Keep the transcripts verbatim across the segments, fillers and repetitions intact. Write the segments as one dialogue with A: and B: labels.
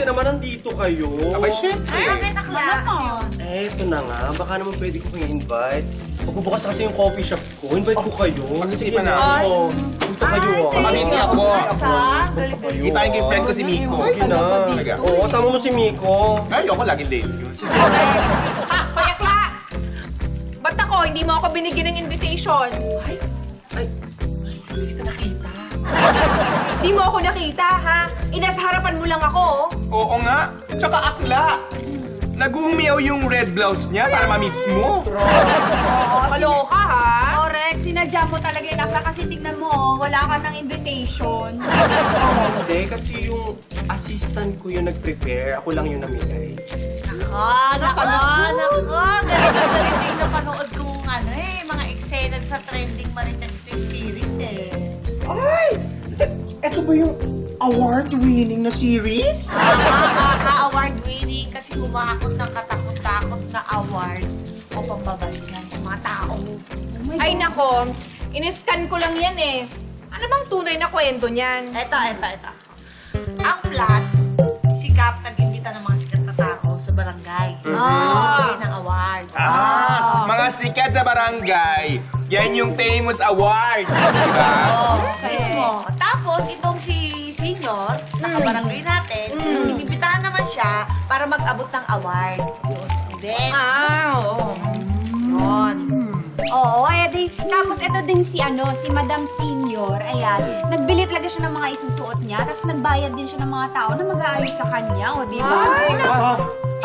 A: buti naman nandito kayo.
B: Abay, syempre.
C: Bakit akla?
A: Eh, ito na nga. Baka naman pwede ko kayo invite. Magbubukas kasi yung coffee shop ko. Invite ko kayo.
B: Pag-isipan
A: Sige
B: na.
A: Oo. Punta kayo ah.
B: Mamisi ako.
C: Sa?
A: Punta kayo.
B: Kita yung friend ko si Miko.
A: Sige na.
B: Talaga.
A: Oo, kasama mo si Miko.
B: Ay, ako laging date yun. Sige.
D: Ah, Payakla! Ba't ako? Hindi mo ako binigyan ng invitation.
A: Ay, sorry, hindi kita nakita.
D: Hindi mo ako nakita, ha? Inasa harapan mo lang ako.
B: Oo nga. Tsaka akla. Nag-uumiyaw yung red blouse niya para ma-miss mo.
D: Kaloka, ha?
C: Correct. Sinadya mo talaga yung akla kasi tingnan mo, wala ka ng invitation.
A: Hindi, kasi yung assistant ko yung nag-prepare. Ako lang yung namigay.
C: Nako, nako, nako. Galing na galing yung napanood kong ano eh, mga eksena sa trending Marites Twin series eh.
E: Ay! Ito ba yung award-winning na series?
C: Ka-award winning kasi kumakot ng katakot-takot na award o pambabasgan sa mga tao.
D: Ay, nako. In-scan ko lang yan, eh. Ano bang tunay na kwento niyan?
C: Eto, eto, eto. Ang plot, si Cap nag-imbita ng mga sikat na tao sa barangay. Ah. ng award.
B: Ah, mga sikat sa barangay. Yan yung famous award. Diba?
C: Oo, mismo. Tapos, itong si senior, na kabarangay natin, inimbitahan naman siya para mag-abot ng award. Yun, sa event.
D: Ah, oo.
C: Yun.
F: Oo, edi. Tapos ito din si ano, si Madam Senior. Ayan, nagbili talaga siya ng mga isusuot niya, tapos nagbayad din siya ng mga tao na mag-aayos sa kanya, o di ba?
E: Ah,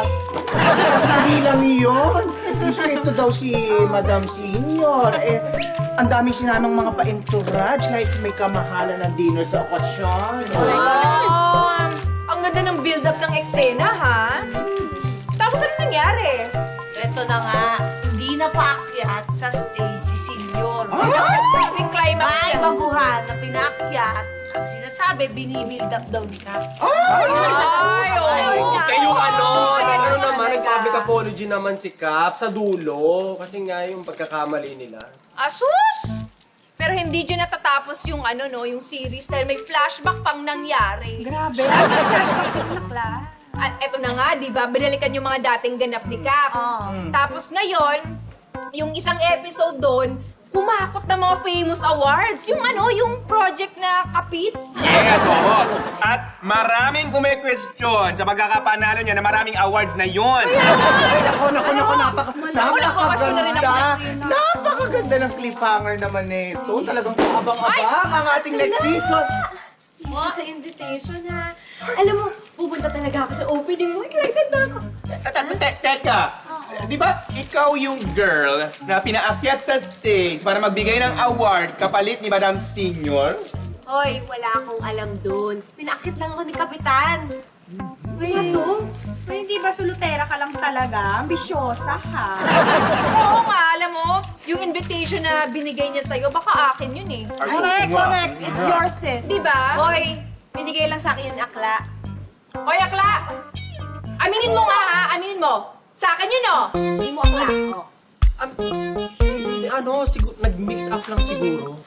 E: hindi lang yun. Isa ito daw si Madam Senior. Eh, ang daming sinamang mga pa-entourage kahit may kamahalan ng dinner sa okasyon.
D: Oh, ang ganda ng build-up ng eksena, ha? Tapos ano nangyari?
C: Ito na nga, hindi na paakyat sa stage si senior.
D: Yung climax
C: May
D: niya.
C: baguhan na pinaakyat. Ang sinasabi, binibuild up daw ni Cap.
D: Ay, oo.
A: Okay, yung ano,
D: Ay,
A: ano
D: ano
A: naman,
D: talaga?
A: nag-public apology naman si Cap sa dulo. Kasi nga yung pagkakamali nila.
D: Asus! Pero hindi dyan natatapos yung ano, no, yung series dahil may flashback pang nangyari.
F: Grabe. Ano yung flashback yung nakla?
D: At eto na nga, di ba? Binalikan yung mga dating ganap ni Cap.
F: Oo.
D: Tapos ngayon, yung isang episode doon, kumakot ng mga famous awards. Yung ano, yung project na Kapits.
B: Yes, oo. At maraming kume-question sa pagkakapanalo niya na maraming awards na yun.
E: Nako, nako, nako, napaka,
D: Naku, wala rin ako
E: napakaganda. Napakaganda ng cliffhanger naman nito. Talagang kaabang-abang ang ating next season.
F: Sa invitation, ha? Alam mo, pupunta talaga ako sa opening mo. Excited na ako.
B: Te- te- Teka, di ba ikaw yung girl na pinaakyat sa stage para magbigay ng award kapalit ni Madam Senior?
F: Hoy, wala akong alam dun. Pinakit lang ako ni Kapitan. Uy, ano? Uy, hindi ba solutera ka lang talaga? Ambisyosa ka.
D: Oo nga, alam mo, yung invitation na binigay niya sa'yo, baka akin yun eh.
B: Ay,
F: Correct,
B: oo nga.
F: correct. It's yours, sis.
D: Di ba?
F: Hoy, binigay lang sa akin yung akla.
D: Hoy, Akla! Aminin mo nga ha, aminin mo. Sa akin yun, oh. Hindi mo Akla. Oh.
A: Um, hindi, ano, sigur, nag-mix up lang siguro.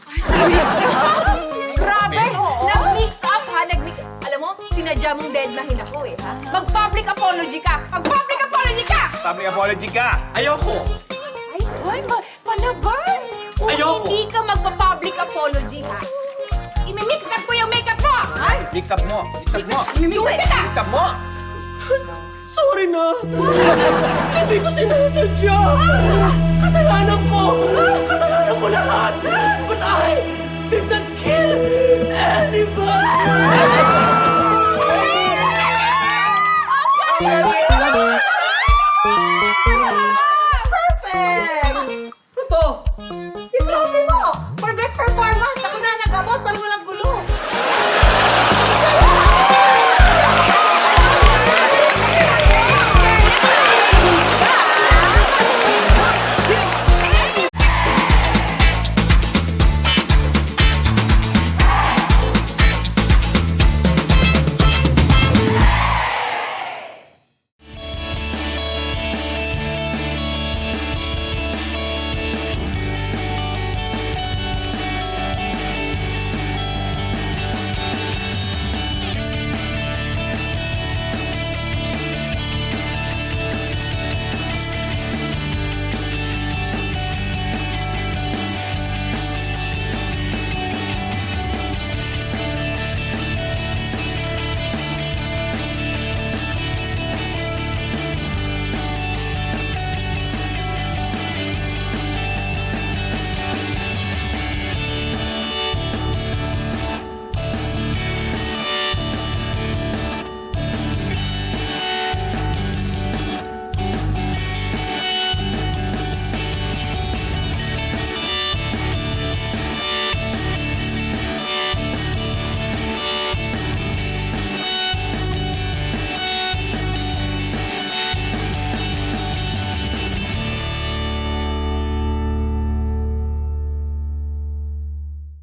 D: Grabe! Nag-mix up ha, nag-mix up. Alam mo, sinadya mong deadline ako eh, ha? Mag-public apology ka! Mag-public apology ka!
B: Public apology ka.
A: Ayoko!
D: Ay, ay, ma- palaban! Kung
A: Ayoko.
D: hindi ka magpa-public apology, ha? Imi-mix up ko yung makeup mo! Ay!
B: Mix up mo. Mix up mo.
D: Imi-mix up kita!
B: Mix up mo.
A: Sorry na! Hindi ko sinasadya! Kasalanan ko! Kasalanan ko lahat! But I did not kill anybody!
D: Ang galing!